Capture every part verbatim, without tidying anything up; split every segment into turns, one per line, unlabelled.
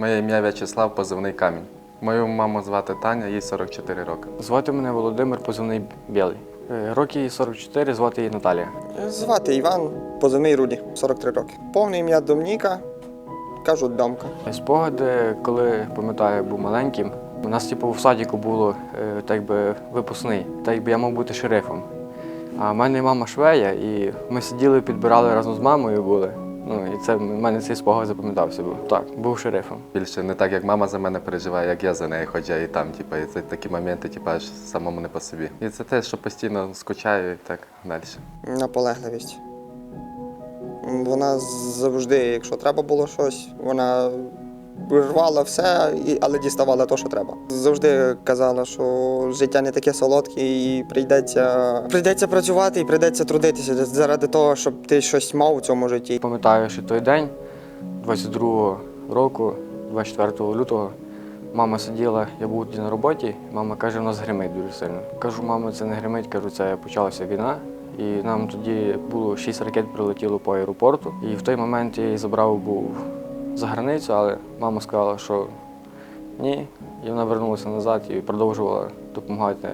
Моє ім'я В'ячеслав, позивний Камінь. Мою маму звати Таня, їй сорок чотири роки.
Звати мене Володимир, позивний Білий. Е, Роки їй сорок чотири, звати її Наталія.
Звати Іван, позивний Руді, сорок три роки. Повне ім'я Домніка, кажуть Домка.
Спогади, коли, пам'ятаю, був маленьким, у нас типу, в садіку було е, так би, випускний, так би я мав бути шерифом. А в мене мама швея, і ми сиділи, підбирали разом з мамою були. Ну, і це в мене цей спогад запам'ятався був. Так, був шерифом.
Більше не так, як мама за мене переживає, як я за нею, хоча і там, типу, і це такі моменти, типу, аж самому не по собі. І це те, що постійно скучаю і так далі.
Наполегливість. Вона завжди, якщо треба було щось, вона рвала все, але діставала те, що треба. Завжди казала, що життя не таке солодке і прийдеться, прийдеться працювати і прийдеться трудитися заради того, щоб ти щось мав у цьому житті.
Пам'ятаю, що той день, двадцять другого року, двадцять четвертого лютого, мама сиділа, я був тоді на роботі, мама каже, у нас гримить дуже сильно. Кажу, мама, це не гримить, кажу, це почалася війна. І нам тоді було шість ракет прилетіло по аеропорту. І в той момент я її забрав був за границю, але мама сказала, що ні. І вона вернулася назад і продовжувала допомагати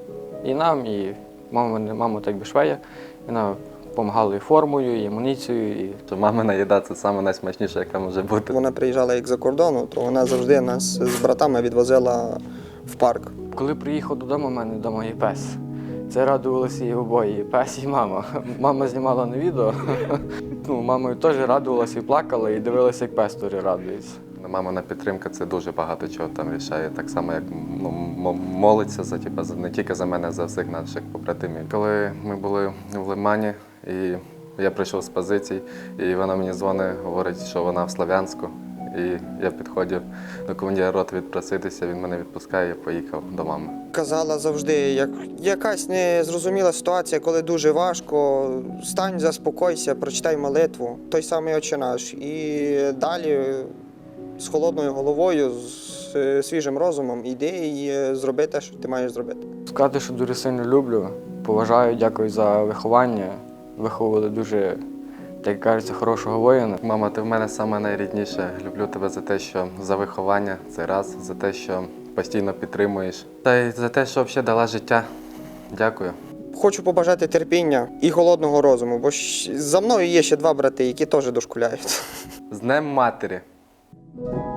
і нам, і мама, мама так би швея. І вона допомагала і формою, і амуніцією. І...
Що мамина їда – це саме найсмачніше, яка може бути.
Вона приїжджала як за кордону, то вона завжди нас з братами відвозила в парк.
Коли приїхав додому, у мене вдома є пес. Це радувалися і обоє, і пес, і мама. Мама знімала на відео. Ну, мамою теж радувалася і плакала, і дивилася, як пес теж радується.
Мамина підтримка – це дуже багато чого там рішає. Так само, як ну, молиться за, типу, не тільки за мене, а за всіх наших побратимів. Коли ми були в Лимані, і я прийшов з позицій, і вона мені дзвонить, говорить, що вона в Слов'янську. І я підходив до командира роти відпроситися, він мене відпускає, я поїхав до мами.
Казала завжди, як якась незрозуміла ситуація, коли дуже важко, стань, заспокойся, прочитай молитву, той самий Отче наш. І далі з холодною головою, з свіжим розумом іди і зроби те, що ти маєш зробити.
Сказати, що дуже сильно люблю, поважаю, дякую за виховання. Виховували дуже, так кажеться, хорошого воїна.
Мама, ти в мене саме найрідніше. Люблю тебе за те, що за виховання, це раз, за те, що постійно підтримуєш. Та й за те, що взагалі дала життя. Дякую.
Хочу побажати терпіння і холодного розуму, бо за мною є ще два брати, які теж дошкуляють.
З Днем матері!
Thank you.